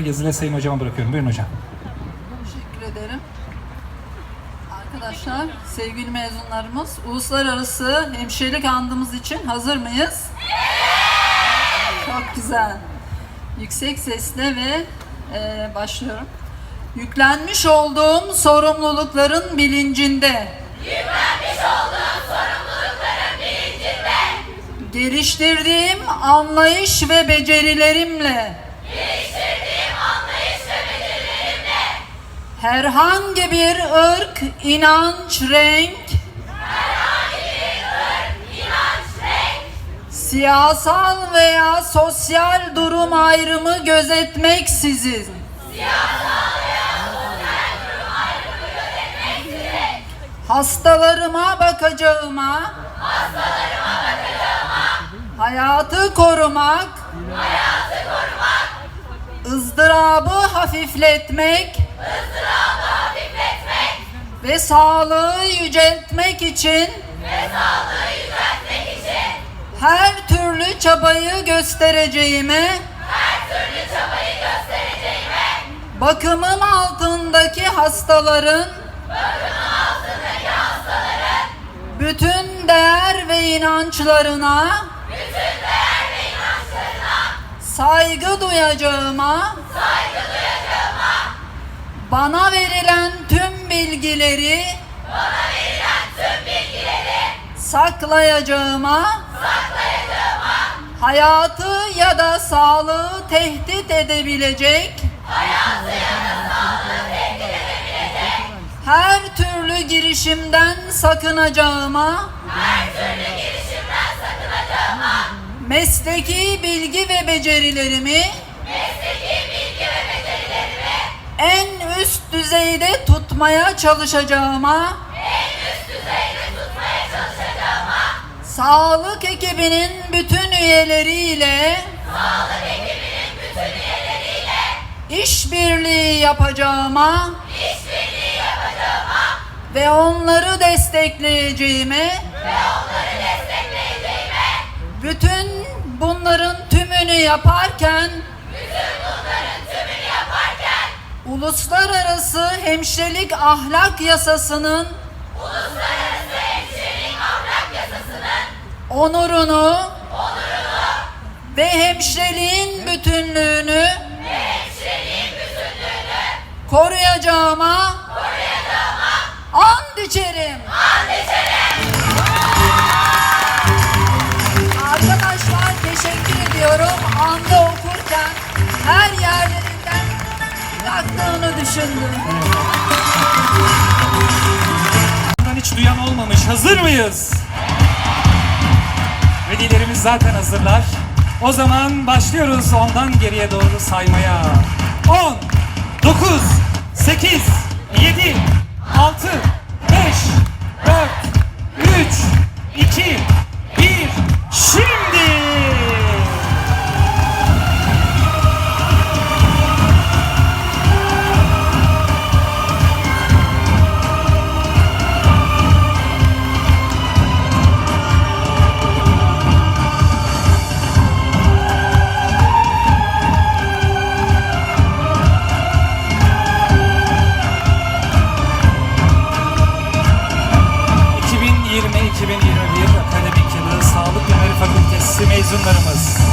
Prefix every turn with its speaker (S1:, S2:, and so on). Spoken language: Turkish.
S1: yazılı Sayın Hocama bırakıyorum. Buyurun hocam.
S2: Teşekkür ederim. Arkadaşlar, sevgili mezunlarımız, uluslararası hemşirelik andımız için hazır mıyız? Çok güzel. Yüksek sesle ve başlıyorum. Yüklenmiş olduğum sorumlulukların bilincinde. Geliştirdiğim anlayış ve becerilerimle. Herhangi bir ırk, inanç, renk, siyasal veya sosyal durum ayrımı gözetmeksizin hastalarıma bakacağıma, hayatı korumak, ızdırabı hafifletmek ve sağlığı yüceltmek için her türlü çabayı göstereceğime, bakımım altındaki hastaların bütün değer ve inançlarına saygı duyacağıma, bana verilen tüm bilgileri saklayacağıma, hayatı ya da sağlığı tehdit edebilecek her türlü girişimden sakınacağıma, mesleki bilgi ve becerilerimi en üst düzeyde tutmaya çalışacağıma, sağlık ekibinin bütün üyeleriyle işbirliği yapacağıma ve onları destekleyeceğime, bütün bunların tümünü yaparken Uluslararası Hemşirelik Ahlak Yasası'nın onurunu ve hemşireliğin bütünlüğünü koruyacağıma and içerim. Arkadaşlar, teşekkür ediyorum. Andı okurken her yerlerinden yaktığını düşündüm.
S1: Bundan hiç duyan olmamış. Hazır mıyız? Velilerimiz zaten hazırlar. O zaman başlıyoruz ondan geriye doğru saymaya. 10, 9, 8, 7, 6, 5, 4, 3, 2, 1, şimdi! ...2020-2021 akademik yılı Sağlık Bilimleri Fakültesi mezunlarımız.